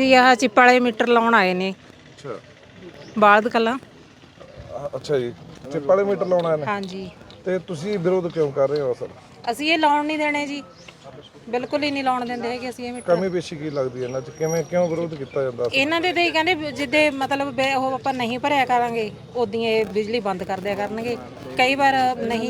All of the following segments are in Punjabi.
ਜੀ ਆਹ ਚਿੱਪ ਵਾਲੇ ਮੀਟਰ ਲਾਉਣ ਆਏ ਨੇ। ਅੱਛਾ ਬਾਲਦ ਕਲਾਂ। ਅੱਛਾ ਜੀ, ਚਿੱਪ ਵਾਲੇ ਮੀਟਰ ਲਾਉਣਾ ਹੈ ਹਾਂਜੀ, ਤੇ ਤੁਸੀਂ ਵਿਰੋਧ ਕਿਉਂ ਕਰ ਰਹੇ ਹੋ? ਸਰ ਅਸੀਂ ਇਹ ਲਾਉਣ ਨਹੀਂ ਦੇਣੇ ਜੀ, ਬਿਲਕੁਲ ਹੀ ਨਹੀਂ ਲਾਉਣ ਦਿੰਦੇ ਹੈਗੇ ਅਸੀਂ ਇਹ ਮੀਟਰ। ਕਮੀ ਪੇਸ਼ੀ ਕੀ ਲੱਗਦੀ ਹੈ ਇਹਨਾਂ 'ਚ? ਕਿਉਂ ਵਿਰੋਧ ਕੀਤਾ ਜਾਂਦਾ? ਇਹਨਾਂ ਦੇ ਤੇ ਕਹਿੰਦੇ ਜਿੱਦੇ ਮਤਲਬ ਉਹ ਆਪਾਂ ਨਹੀਂ ਭਰਿਆ ਕਰਾਂਗੇ ਉਦੋਂ ਇਹ ਬਿਜਲੀ ਬੰਦ ਕਰ ਦਿਆ ਕਰਨਗੇ। ਕਈ ਵਾਰ ਨਹੀਂ,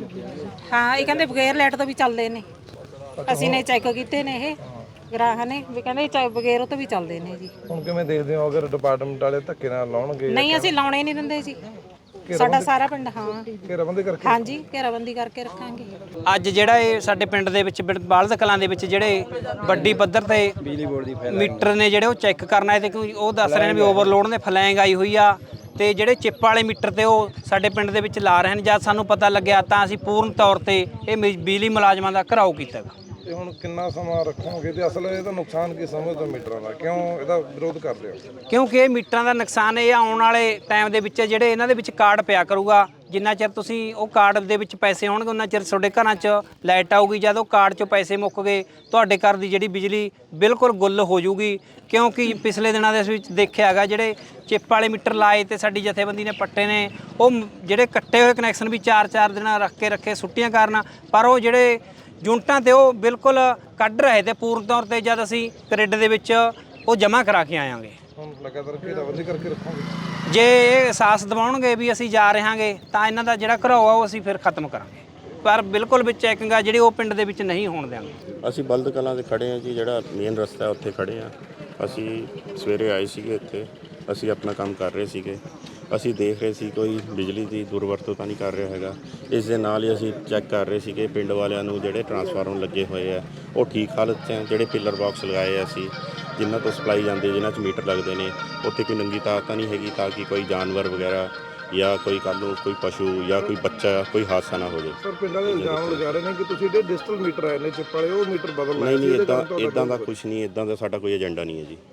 ਹਾਂ ਇਹ ਕਹਿੰਦੇ ਬਗੈਰ ਲਾਈਟ ਤੋਂ ਵੀ ਚੱਲਦੇ ਨੇ। ਅਸੀਂ ਨੇ ਚੈੱਕ ਕੀਤੇ ਨੇ ਇਹ ਗ੍ਰਾਹਕ ਨੇ ਵੀ ਕਹਿੰਦੇ ਬਗੈਰ ਉਹ ਤੋਂ ਵੀ ਚੱਲਦੇ ਨੇ ਜੀ। ਹੁਣ ਕਿਵੇਂ ਦੇਖਦੇ ਹੋ ਅਗਰ ਡਿਪਾਰਟਮੈਂਟ ਵਾਲੇ ਧੱਕੇ ਨਾਲ ਲਾਉਣਗੇ? ਨਹੀਂ ਅਸੀਂ ਲਾਉਣੇ ਨਹੀਂ ਦਿੰਦੇ ਜੀ, ਸਾਡਾ ਸਾਰਾ ਪਿੰਡ। ਹਾਂ ਘੇਰਾਬੰਦੀ ਕਰਕੇ? ਹਾਂਜੀ ਘੇਰਾਬੰਦੀ ਕਰਕੇ ਰੱਖਾਂਗੇ। ਅੱਜ ਜਿਹੜਾ ਇਹ ਸਾਡੇ ਪਿੰਡ ਦੇ ਵਿੱਚ ਬਾਲਦ ਕਲਾਂ ਦੇ ਵਿੱਚ ਜਿਹੜੇ ਵੱਡੀ ਪੱਧਰ ਤੇ ਬਿਜਲੀ ਬੋਰਡ ਦੀ ਮੀਟਰ ਨੇ ਜਿਹੜੇ ਉਹ ਚੈੱਕ ਕਰਨ ਆਏ ਤੇ ਕਿਉਂਕਿ ਉਹ ਦੱਸ ਰਹੇ ਨੇ ਵੀ ਓਵਰਲੋਡ ਨੇ ਫਲੈਂਗ ਆਈ ਹੋਈ ਆ ਤੇ ਜਿਹੜੇ ਚਿੱਪ ਵਾਲੇ ਮੀਟਰ ਤੇ ਉਹ ਸਾਡੇ ਪਿੰਡ ਦੇ ਵਿੱਚ ਲਾ ਰਹੇ ਨੇ। ਜਦ ਸਾਨੂੰ ਪਤਾ ਲੱਗਿਆ ਤਾਂ ਅਸੀਂ ਪੂਰਨ ਤੌਰ ਤੇ ਇਹ ਬਿਜਲੀ ਮੁਲਾਜ਼ਮਾਂ ਦਾ ਘਿਰਾਓ ਕੀਤਾ। ਤੇ ਹੁਣ ਕਿੰਨਾ ਸਮਾਂ ਰੱਖੋਗੇ ਤੇ ਅਸਲ ਇਹਦਾ ਨੁਕਸਾਨ ਕੀ ਸਮਝਦੇ ਮੀਟਰਾਂ ਦਾ? ਕਿਉਂ ਇਹਦਾ ਵਿਰੋਧ ਕਰਦੇ ਹੋ? ਕਿਉਂਕਿ ਇਹ ਮੀਟਰਾਂ ਦਾ ਨੁਕਸਾਨ ਇਹ ਆਉਣ ਵਾਲੇ ਟਾਈਮ ਦੇ ਵਿੱਚ ਜਿਹੜੇ ਇਹਨਾਂ ਦੇ ਵਿੱਚ ਕਾਰਡ ਪਿਆ ਕਰੂਗਾ। ਜਿੰਨਾ ਚਿਰ ਤੁਸੀਂ ਉਹ ਕਾਰਡ ਦੇ ਵਿੱਚ ਪੈਸੇ ਹੋਣਗੇ ਉਹਨਾਂ ਚਿਰ ਤੁਹਾਡੇ ਘਰਾਂ 'ਚ ਲਾਈਟ ਆਊਗੀ। ਜਦ ਉਹ ਕਾਰਡ 'ਚੋਂ ਪੈਸੇ ਮੁੱਕ ਗਏ ਤੁਹਾਡੇ ਘਰ ਦੀ ਜਿਹੜੀ ਬਿਜਲੀ ਬਿਲਕੁਲ ਗੁੱਲ ਹੋ ਜੂਗੀ। ਕਿਉਂਕਿ ਪਿਛਲੇ ਦਿਨਾਂ ਦੇ ਵਿੱਚ ਦੇਖਿਆ ਹੈਗਾ ਜਿਹੜੇ ਚਿੱਪ ਵਾਲੇ ਮੀਟਰ ਲਾਏ ਤੇ ਸਾਡੀ ਜਥੇਬੰਦੀ ਨੇ ਪੱਟੇ ਨੇ, ਉਹ ਜਿਹੜੇ ਕੱਟੇ ਹੋਏ ਕਨੈਕਸ਼ਨ ਵੀ 4-4 ਦਿਨ ਰੱਖੇ ਛੁੱਟੀਆਂ ਕਾਰਨ। ਪਰ ਉਹ ਜਿਹੜੇ ਯੂਨਿਟਾਂ ਤੇ ਉਹ ਬਿਲਕੁਲ ਕੱਢ ਰਹੇ ਤੇ ਪੂਰਨ ਤੌਰ ਤੇ ਜਦ ਅਸੀਂ ਗ੍ਰਿਡ ਦੇ ਵਿੱਚ ਉਹ ਜਮ੍ਹਾਂ ਕਰਾ ਕੇ ਆਵਾਂਗੇ। ਹੁਣ ਲਗਾਤਾਰ ਘੇਰਾਬੰਦੀ ਕਰਕੇ ਰੱਖੋਗੇ? ਜੇ ਇਹ ਅਹਿਸਾਸ ਦਿਵਾਉਣਗੇ ਵੀ ਅਸੀਂ ਜਾ ਰਹਾਂਗੇ ਤਾਂ ਇਹਨਾਂ ਦਾ ਜਿਹੜਾ ਘਰਾਓ ਆ ਉਹ ਅਸੀਂ ਫਿਰ ਖਤਮ ਕਰਾਂਗੇ। ਪਰ ਬਿਲਕੁਲ ਵਿੱਚ ਚੈਕਿੰਗ ਆ ਜਿਹੜੀ ਉਹ ਪਿੰਡ ਦੇ ਵਿੱਚ ਨਹੀਂ ਹੋਣ ਦਿਆਂਗੇ। ਅਸੀਂ ਬਲਦ ਕਲਾਂ 'ਤੇ ਖੜ੍ਹੇ ਹਾਂ ਜੀ, ਜਿਹੜਾ ਮੇਨ ਰਸਤਾ ਉੱਥੇ ਖੜ੍ਹੇ ਹਾਂ। ਅਸੀਂ ਸਵੇਰੇ ਆਏ ਸੀਗੇ ਇੱਥੇ, ਅਸੀਂ ਆਪਣਾ ਕੰਮ ਕਰ ਰਹੇ ਸੀਗੇ। ਅਸੀਂ ਦੇਖ ਰਹੇ ਸੀ ਕੋਈ ਬਿਜਲੀ ਦੀ ਦੁਰਵਰਤੋਂ ਤਾਂ ਨਹੀਂ ਕਰ ਰਿਹਾ ਹੈਗਾ। ਇਸ ਦੇ ਨਾਲ ਹੀ ਅਸੀਂ ਚੈੱਕ ਕਰ ਰਹੇ ਸੀਗੇ ਪਿੰਡ ਵਾਲਿਆਂ ਨੂੰ ਜਿਹੜੇ ਟਰਾਂਸਫਾਰਮਰ ਲੱਗੇ ਹੋਏ ਆ ਉਹ ਠੀਕ ਹਾਲਤ 'ਚ ਹੈ। ਜਿਹੜੇ ਪਿੱਲਰ ਬਾਕਸ ਲਗਾਏ ਆ ਅਸੀਂ ਜਿਨ੍ਹਾਂ ਤੋਂ ਸਪਲਾਈ ਜਾਂਦੀ, ਜਿਨ੍ਹਾਂ 'ਚ ਮੀਟਰ ਲੱਗਦੇ ਨੇ, ਉੱਥੇ ਕੋਈ ਨੰਗੀ ਤਾਰ ਤਾਂ ਨਹੀਂ ਹੈਗੀ ਤਾਂ ਕਿ ਕੋਈ ਜਾਨਵਰ ਵਗੈਰਾ ਜਾਂ ਕੋਈ ਕੱਲ੍ਹ ਨੂੰ ਕੋਈ ਪਸ਼ੂ ਜਾਂ ਕੋਈ ਬੱਚਾ ਕੋਈ ਹਾਦਸਾ ਨਾ ਹੋ ਜਾਵੇ। ਸਰ ਪਿੰਡਾਂ ਦੇ ਇਲਜ਼ਾਮ ਲਗਾ ਰਹੇ ਨੇ ਕਿ ਤੁਸੀਂ ਜਿਹੜੇ ਡਿਜੀਟਲ ਮੀਟਰ ਆਏ ਨੇ ਚਿੱਪ ਵਾਲੇ ਉਹ ਮੀਟਰ ਬਦਲ ਲਾਏ। ਨਹੀਂ ਇੱਦਾਂ ਦਾ ਕੁਝ ਨਹੀਂ, ਇੱਦਾਂ ਦਾ ਸਾਡਾ ਕੋਈ ਏਜੰਡਾ ਨਹੀਂ ਹੈ ਜੀ।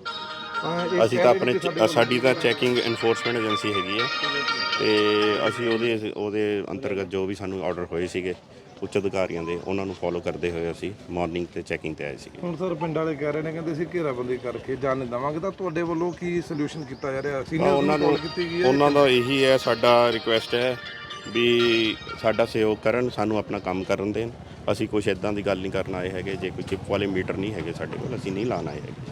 ਅਸੀਂ ਤਾਂ ਆਪਣੇ ਸਾਡੀ ਤਾਂ ਚੈਕਿੰਗ ਇਨਫੋਰਸਮੈਂਟ ਏਜੰਸੀ ਹੈਗੀ ਹੈ ਤੇ ਅਸੀਂ ਉਹਦੇ ਅੰਤਰਗਤ ਜੋ ਵੀ ਸਾਨੂੰ ਆਰਡਰ ਹੋਏ ਸੀਗੇ ਉੱਚ ਅਧਿਕਾਰੀਆਂ ਦੇ ਉਹਨਾਂ ਨੂੰ ਫੋਲੋ ਕਰਦੇ ਹੋਏ ਅਸੀਂ ਮਾਰਨਿੰਗ ਤੇ ਚੈਕਿੰਗ ਤੇ ਆਏ ਸੀਗੇ। ਹੁਣ ਸਰ ਪਿੰਡ ਵਾਲੇ ਕਹਿ ਰਹੇ ਨੇ ਕਹਿੰਦੇ ਅਸੀਂ ਘੇਰਾਬੰਦੀ ਕਰਕੇ ਜਾਣ ਨਹੀਂ ਦੇਵਾਂਗੇ, ਤਾਂ ਤੁਹਾਡੇ ਵੱਲੋਂ ਕੀ ਸੋਲੂਸ਼ਨ ਕੀਤਾ ਜਾ ਰਿਹਾ? ਉਹਨਾਂ ਦਾ ਇਹੀ ਹੈ, ਸਾਡਾ ਰਿਕੁਐਸਟ ਹੈ ਵੀ ਸਾਡਾ ਸਹਿਯੋਗ ਕਰਨ, ਸਾਨੂੰ ਆਪਣਾ ਕੰਮ ਕਰਨ ਦੇਣ। ਅਸੀਂ ਕੁਛ ਇੱਦਾਂ ਦੀ ਗੱਲ ਨਹੀਂ ਕਰਨ ਆਏ ਹੈਗੇ। ਜੇ ਕੋਈ ਚਿੱਪ ਵਾਲੇ ਮੀਟਰ ਨਹੀਂ ਹੈਗੇ ਸਾਡੇ ਕੋਲ, ਅਸੀਂ ਨਹੀਂ ਲਾਉਣ ਆਏ ਹੈਗੇ।